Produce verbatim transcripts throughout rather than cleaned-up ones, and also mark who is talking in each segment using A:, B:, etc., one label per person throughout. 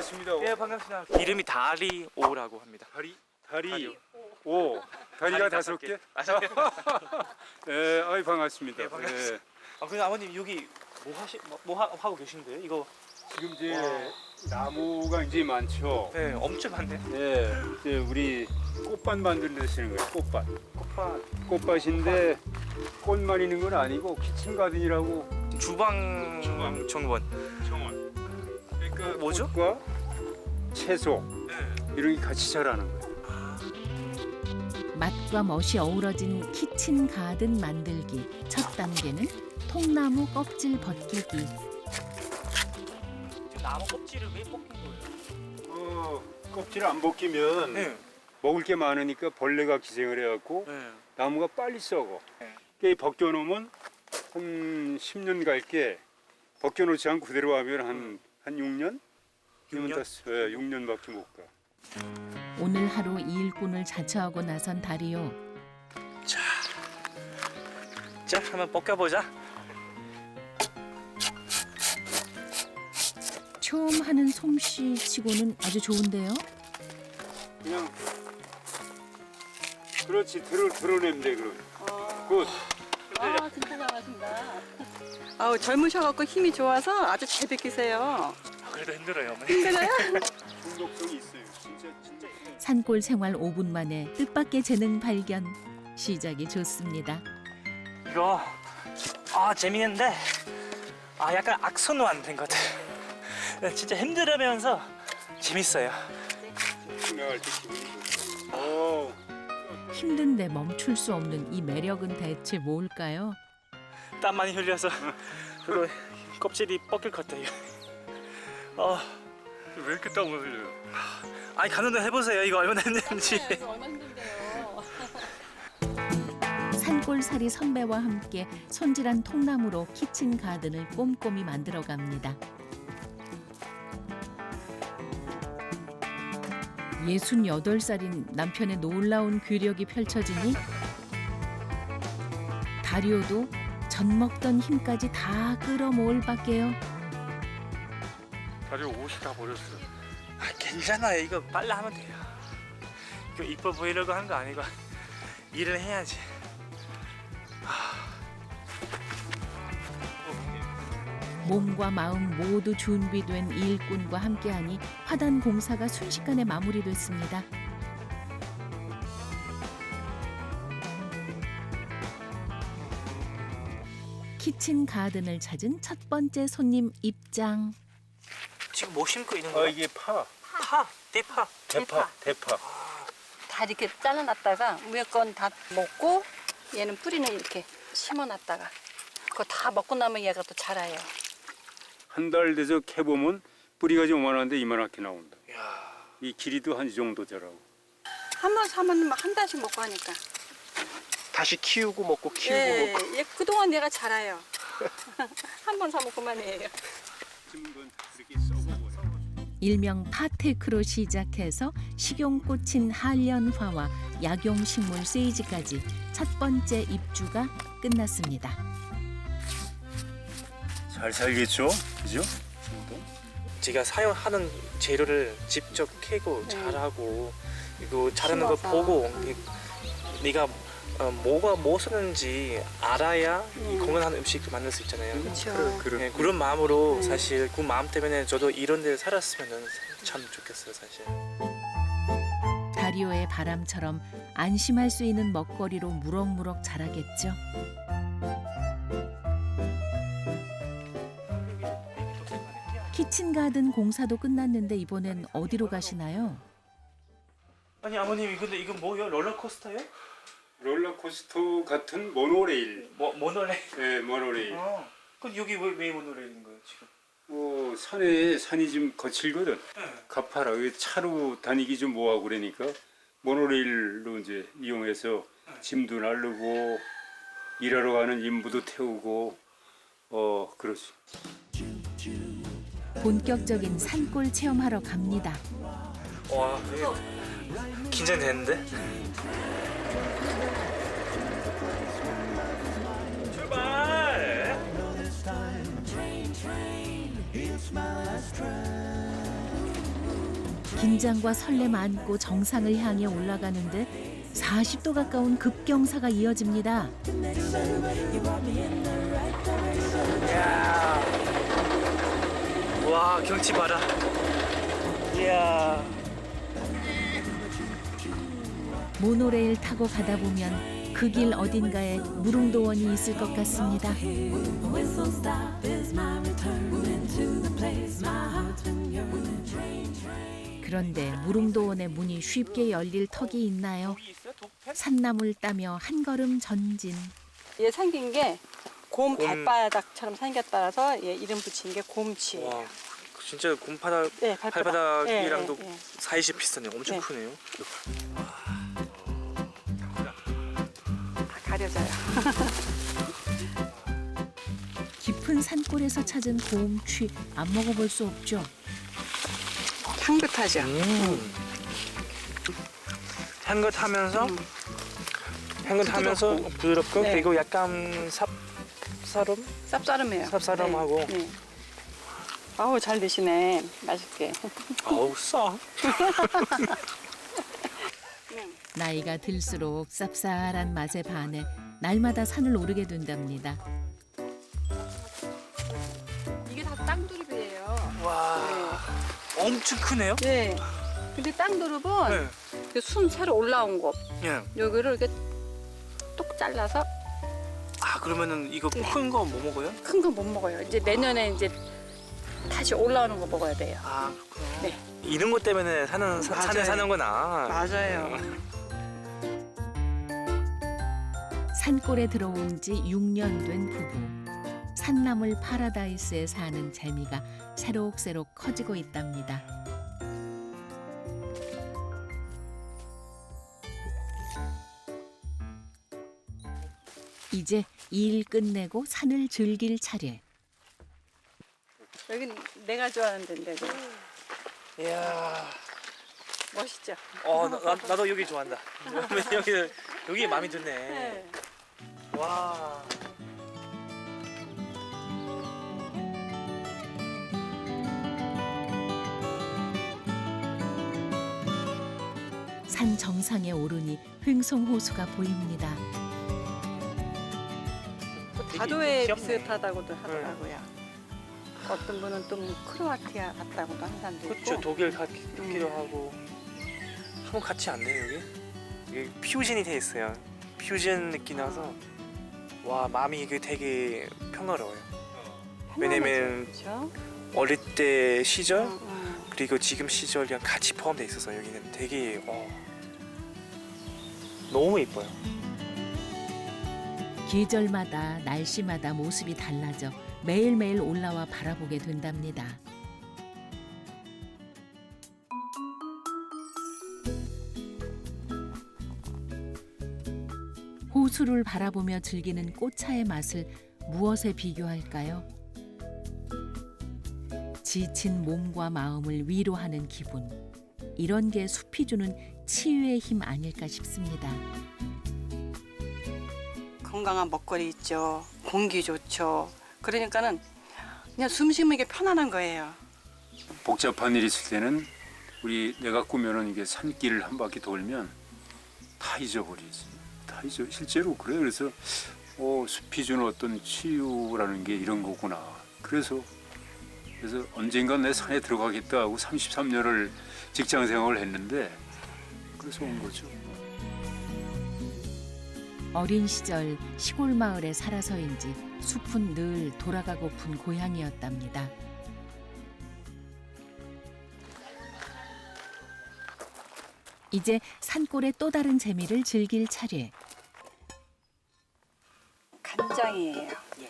A: 반갑습니다.
B: 예, 반갑습니다. 이름이 다리오라고 합니다.
A: 다리 다리
B: 다리오.
A: 오 다리가
B: 다리
A: 다섯
B: 다섯
A: 개.
B: 개. 다섯 개.
A: 예, 아이 반갑습니다.
B: 예, 반갑습니다.
A: 예.
B: 아, 근데 아버님 여기 뭐 하시 뭐, 뭐 하, 하고 계신데요? 이거
A: 지금 이제 나무가 이제 많죠.
B: 네, 엄청 많네.
A: 예, 이제 우리 꽃밭 만들시는 거예요. 꽃밭.
B: 꽃밭.
A: 꽃밭인데 꽃만 있는 건 아니고 키친 가든이라고
B: 주방
A: 주방.
B: 정원.
A: 정원. 그러니까
B: 뭐죠?
A: 꽃과 채소
B: 네.
A: 이런 게 같이 자라는 거예요.
C: 맛과 멋이 어우러진 키친 가든 만들기. 첫 단계는 통나무 껍질 벗기기.
B: 지금 나무 껍질을 왜 뽑힌 거예요?
A: 어, 껍질 안 벗기면
B: 네.
A: 먹을 게 많으니까 벌레가 기생을 해갖고
B: 네.
A: 나무가 빨리 썩어.
B: 네.
A: 이게 벗겨놓으면 한 십 년 갈게 벗겨놓지 않고 그대로 하면 한, 한 육 년?
B: 육 년?
A: 예, 육 년밖에 못 가.
C: 오늘 하루 이 일꾼을 자처하고 나선 다리오.
B: 자, 자, 한번 벗겨보자.
C: 처음 하는 솜씨 치고는 아주 좋은데요.
A: 그냥 그렇지 들어 드러내면 돼 그럼.
D: 어,
A: 굿.
D: 아, 진짜 잘하신다. 아우, 젊으셔갖고 힘이 좋아서 아주 잘 뵙기세요.
B: 그래도 힘들어요, 어머니.
D: 힘들어요?
A: 중독성이 있어요. 진짜 진짜.
C: 산골 생활 오 분 만에 뜻밖의 재능 발견. 시작이 좋습니다.
B: 이거 아 재밌는데 아 약간 악순환 된 것 같아요. 진짜 힘들으면서 재밌어요.
A: 나갈 때 기분이 좋아. 오.
C: 힘든데 멈출 수 없는 이 매력은 대체 뭘까요?
B: 땀 많이 흘려서 그리고 껍질이 벗길 것 같아요. 어,
A: 왜 이렇게 땀을 흘려요?
B: 아니 가는데 해보세요. 이거 얼마나 힘든지.
D: 이거 얼마나 힘든데요.
C: 산골살이 선배와 함께 손질한 통나무로 키친 가든을 꼼꼼히 만들어갑니다. 예순여덟 살인 남편의 놀라운 괴력이 펼쳐지니 다리오도 젖 먹던 힘까지 다 끌어모을 밖에요.
A: 다리 옷이 다 버렸어.
B: 아, 괜찮아요. 이거 빨리 하면 돼요. 이거 이뻐 보이려고 하는 거 아니고 일을 해야지.
C: 몸과 마음 모두 준비된 이 일꾼과 함께하니 화단 공사가 순식간에 마무리됐습니다. 키친 가든을 찾은 첫 번째 손님 입장.
B: 지금 뭐 심고 있는
A: 아
B: 거야?
A: 이게 파.
B: 파, 대파.
A: 대파. 대파.
D: 다 이렇게 잘라놨다가 위에 건 다 먹고 얘는 뿌리는 이렇게 심어놨다가 그거 다 먹고 나면 얘가 또 자라요.
A: 한 달 돼서 캐보면 뿌리가 좀 요만한데 이만하게 나온다.
B: 이야.
A: 이 길이도 한 이 정도 되라고.
D: 한 번 사면 막 한 달씩 먹고 하니까.
B: 다시 키우고 먹고 키우고
D: 예,
B: 먹고.
D: 얘 그동안 얘가 자라요. 한 번 사면 그만이에요.
A: 심은 건 이렇게 썩어버려.
C: 일명 파테크로 시작해서 식용꽃인 한련화와 약용식물 세이지까지 첫 번째 입주가 끝났습니다.
A: 잘 살겠죠? 그죠?
B: 제가 사용하는 재료를 직접 캐고
D: 네.
B: 잘하고 이거 자라는 걸
D: 심어서.
B: 보고 네가 어, 뭐가 뭐 쓰는지 알아야 이
D: 음.
B: 건강한 음식을 만들 수 있잖아요.
D: 그렇죠.
B: 네, 그런 마음으로
D: 음.
B: 사실 그 마음 때문에 저도 이런 데 살았으면 참 좋겠어요, 사실.
C: 다리오의 바람처럼 안심할 수 있는 먹거리로 무럭무럭 자라겠죠. 키친가든 공사도 끝났는데 이번엔 어디로 가시나요?
B: 아니 아버님 근데 이거 뭐예요? 롤러코스터예요?
A: 롤러코스터 같은 모노레일.
B: 뭐 모노레일?
A: 네, 모노레일.
B: 어. 그럼 여기 왜, 왜 모노레일인 거예요 지금?
A: 어, 산에 산이 좀 거칠거든.
B: 네.
A: 가파라. 그 차로 다니기 좀 뭐하고 그러니까 모노레일로 이제 이용해서 짐도 나르고 일하러 가는 인부도 태우고 어 그렇지.
C: 본격적인 산골 체험하러 갑니다.
B: 와, 되게 긴장되는데? 출발!
C: 긴장과 설렘 안고 정상을 향해 올라가는데 사십 도 가까운 급경사가 이어집니다.
B: 이야. 와, 경치 봐라. 이야.
C: 모노레일 타고 가다 보면 그 길 어딘가에 무릉도원이 있을 것 같습니다. 그런데 무릉도원의 문이 쉽게 열릴 턱이 있나요? 산나물 따며 한 걸음 전진.
D: 얘 생긴 게 곰
B: 곰.
D: 발바닥처럼 생겼다라서 얘 이름 붙인 게 곰치예요.
B: 와, 진짜 곰바닥
D: 네, 발바닥.
B: 발바닥이랑도
D: 예, 예, 예.
B: 사이즈 비슷하네요. 엄청
D: 네.
B: 크네요.
D: 다 가려져요.
C: 깊은 산골에서 찾은 곰취 안 먹어볼 수 없죠.
D: 향긋하죠.
B: 음. 향긋하면서
D: 음.
B: 향긋하면서
D: 부드럽고.
B: 부드럽고
D: 네.
B: 그리고 약간 쌉싸름
D: 쌉싸름해요.
B: 쌉싸름하고.
D: 네, 네. 아우 잘 드시네. 맛있게.
B: 어우 싸.
C: 나이가 들수록 쌉쌀한 맛에 반해 날마다 산을 오르게 된답니다.
D: 이게 다 땅두릅이에요.
B: 와, 엄청 크네요.
D: 네. 근데 땅두릅은
B: 네.
D: 그 순 새로 올라온 거
B: 예.
D: 여기를 이렇게 똑 잘라서
B: 아 그러면은 이거 큰 거 뭐 먹어요?
D: 큰 거 못 먹어요. 이제 내년에 이제 다시 올라오는 거 먹어야 돼요.
B: 아 그렇구나.
D: 네.
B: 이런 것 때문에 사는 사, 산에
D: 맞아요.
B: 사는구나.
D: 맞아요.
C: 산골에 들어온 지 육 년 된 부부. 산나물 파라다이스에 사는 재미가 새록새록 커지고 있답니다. 이제 일 끝내고 산을 즐길 차례.
D: 여긴 내가 좋아하는 데인데 그
B: 이야.
D: 멋있죠.
B: 어, 나, 나, 나도 여기 좋아한다. 여기 여기 마음에 드네.
D: 네.
B: 와.
C: 산 정상에 오르니 횡성호수가 보입니다.
D: 또
B: 되게
D: 다도에
B: 귀엽네.
D: 비슷하다고도 하더라고요. 어떤 분은 또 뭐 크로아티아 같다고도 하는 사람도 있고.
B: 그렇죠. 독일 가, 같기도 하고. 한번 같이 안 돼요 여기? 여기 퓨전이 돼 있어요. 퓨전 느낌 나서 와 마음이 이게 되게 평화로워요. 왜냐면
D: 그렇죠.
B: 어릴 때 시절
D: 응, 응.
B: 그리고 지금 시절이랑 같이 포함돼 있어서 여기는 되게 어, 너무 이뻐요.
C: 계절마다 날씨마다 모습이 달라져 매일매일 올라와 바라보게 된답니다. 호수를 바라보며 즐기는 꽃차의 맛을 무엇에 비교할까요? 지친 몸과 마음을 위로하는 기분. 이런 게 숲이 주는 치유의 힘 아닐까 싶습니다.
D: 건강한 먹거리 있죠. 공기 좋죠. 그러니까는 그냥 숨 쉬는 게 편안한 거예요.
A: 복잡한 일 있을 때는 우리 내가 꾸며놓은 이게 산길을 한 바퀴 돌면 다 잊어버리지. 다 잊어. 실제로 그래. 그래서 어, 숲이 주는 어떤 치유라는 게 이런 거구나. 그래서 그래서 언젠간 내 산에 들어가겠다 하고 삼십삼 년을 직장 생활을 했는데 그래서 온 거죠.
C: 어린 시절 시골 마을에 살아서인지 숲은 늘 돌아가고픈 고향이었답니다. 이제 산골의 또 다른 재미를 즐길 차례.
D: 간장이에요.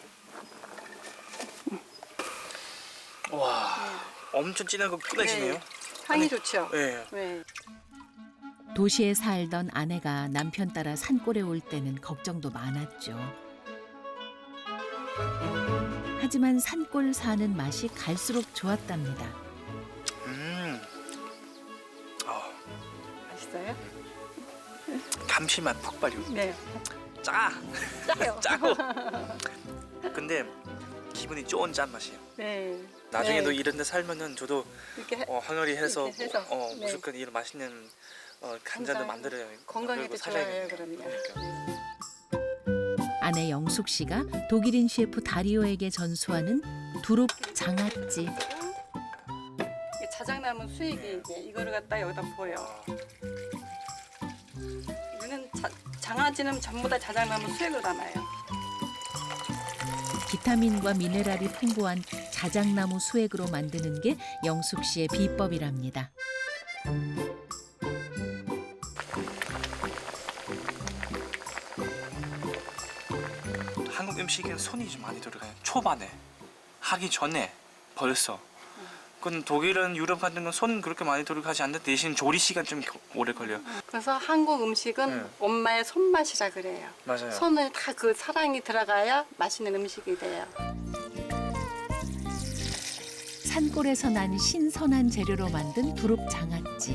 B: 와 엄청 진한 거 끝내시네요.
D: 네. 향이 좋죠.
B: 네.
D: 네.
C: 도시에 살던 아내가 남편 따라 산골에 올 때는 걱정도 많았죠. 하지만 산골 사는 맛이 갈수록 좋았답니다.
B: 음. 어,
D: 맛있어요?
B: 감칠맛 폭발요.
D: 네.
B: 짜.
D: 짜요.
B: 짜고. 근데 기분이 좋은 짠 맛이에요.
D: 네.
B: 나중에도
D: 네.
B: 이런 데 살면은 저도
D: 이렇게 해-
B: 어, 항아리 해서,
D: 이렇게 해서,
B: 어,
D: 네.
B: 무조건 이런 맛있는 어, 간장도 만들어요.
D: 건강에도
B: 만들고
D: 좋아요,
B: 살아야겠네요.
D: 그럼요.
B: 그러니까.
C: 아내 영숙 씨가 독일인 셰프 다리오에게 전수하는 두릅 장아찌.
D: 이게 자작나무 수액이 이제 이거를 갖다 여기다 부어요. 이거는 자, 장아찌는 전부 다 자작나무 수액을 담아요.
C: 비타민과 미네랄이 풍부한 자작나무 수액으로 만드는 게 영숙 씨의 비법이랍니다.
B: 한국 음식엔 손이 좀 많이 들어가요. 초반에 하기 전에 벌써. 그건 독일은 유럽 같은 건 손 그렇게 많이 들어가지 않는데 대신 조리 시간 좀 오래 걸려요.
D: 그래서 한국 음식은
B: 네.
D: 엄마의 손맛이라 그래요.
B: 맞아요.
D: 손을 다 그 사랑이 들어가야 맛있는 음식이 돼요.
C: 산골에서 난 신선한 재료로 만든 두릅 장아찌.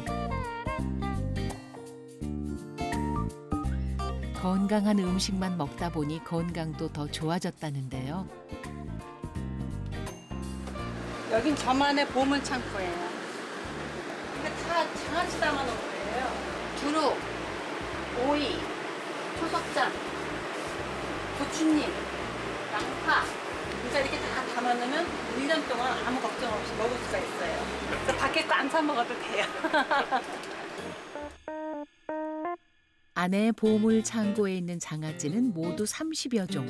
C: 건강한 음식만 먹다 보니 건강도 더 좋아졌다는데요.
D: 여긴 저만의 보물 창고예요. 이게 다 장아찌 담아놓은 거예요. 두릅, 오이, 초석장, 고추잎, 양파. 그러니까 이렇게 다 담아놓으면 일 년 동안 아무 걱정 없이 먹을 수가 있어요. 그래서 밖에 거 안 사 먹어도 돼요.
C: 아내의 보물 창고에 있는 장아찌는 모두 삼십여 종.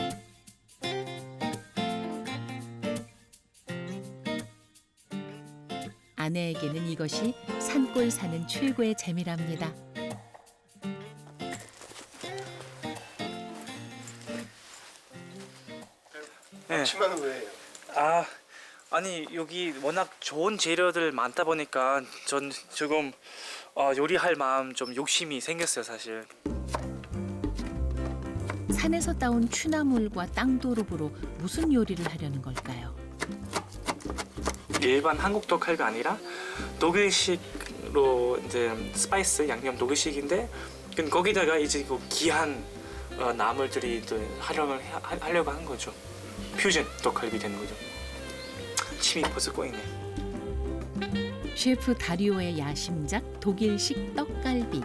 C: 아내에게는 이것이 산골 사는 최고의 재미랍니다.
B: 네.
E: 치마는 왜요?
B: 아 아니 여기 워낙 좋은 재료들 많다 보니까 전 지금 어, 요리할 마음 좀 욕심이 생겼어요 사실.
C: 산에서 따온 취나물과 땅두릅으로 무슨 요리를 하려는 걸까요?
B: 일반 한국 떡갈비가 아니라 독일식으로 이제 스파이스 양념 독일식인데 그 거기다가 이제 그 귀한 어, 나물들이 또 활용을 해- 하, 하려고 하는 거죠. 퓨전 떡갈비 되는 거죠. 침이 벌써 꼬이네.
C: 셰프 다리오의 야심작 독일식 떡갈비.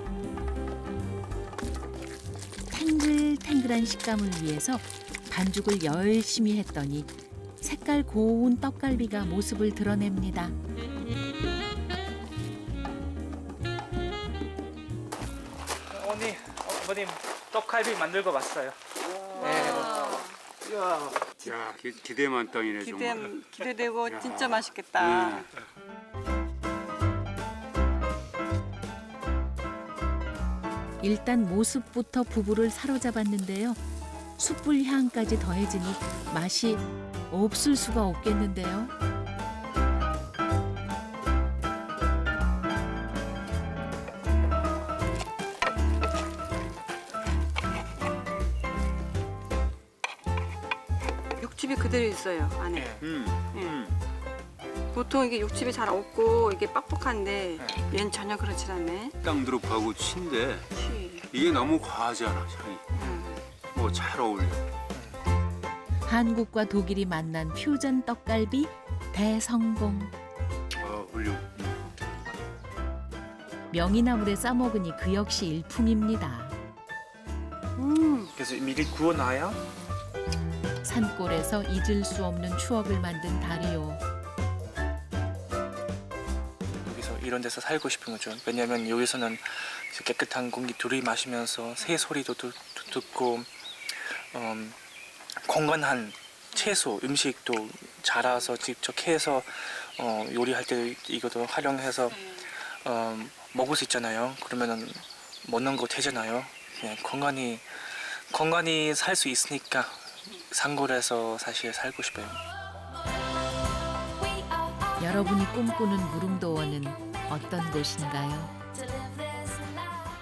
C: 탱글탱글한 식감을 위해서 반죽을 열심히 했더니 색깔 고운 떡갈비가 모습을 드러냅니다.
B: 언니, 어머님 떡갈비 만들고 왔어요. 네.
E: 야,
A: 야 기, 기대만 땅이네
D: 기대,
A: 정말.
D: 기대되고
A: 야.
D: 진짜 맛있겠다.
A: 네.
C: 일단 모습부터 부부를 사로잡았는데요. 숯불 향까지 더해지니 맛이 없을 수가 없겠는데요.
D: 육즙이 그대로 있어요 안에.
B: 네.
A: 음, 음.
D: 보통 이게 육즙이 잘 없고 이게 빡빡한데 얘는 전혀 그렇지 않네.
A: 땅두릅하고 친데
D: 치.
A: 이게 너무 과하지 않아 향이.
D: 음.
A: 뭐 잘 어울려.
C: 한국과 독일이 만난 퓨전 떡갈비 대성공.
A: 어, 훌륭.
C: 명이나물에 싸먹으니 그 역시 일품입니다.
D: 음.
B: 그래서 미리 구워놔야
C: 산골에서 잊을 수 없는 추억을 만든 다리오.
B: 여기서 이런 데서 살고 싶은 거죠. 왜냐하면 여기서는 이제 깨끗한 공기 들이마시면서 새 소리도 듣, 듣고 음, 건강한 채소, 음식도 자라서 직접 해서 어, 요리할 때 이것도 활용해서 어, 먹을 수 있잖아요. 그러면은 먹는 거 되잖아요. 그냥 건강히 건강히 살 수 있으니까 산골에서 사실 살고 싶어요.
C: 여러분이 꿈꾸는 무릉도원은 어떤 곳인가요?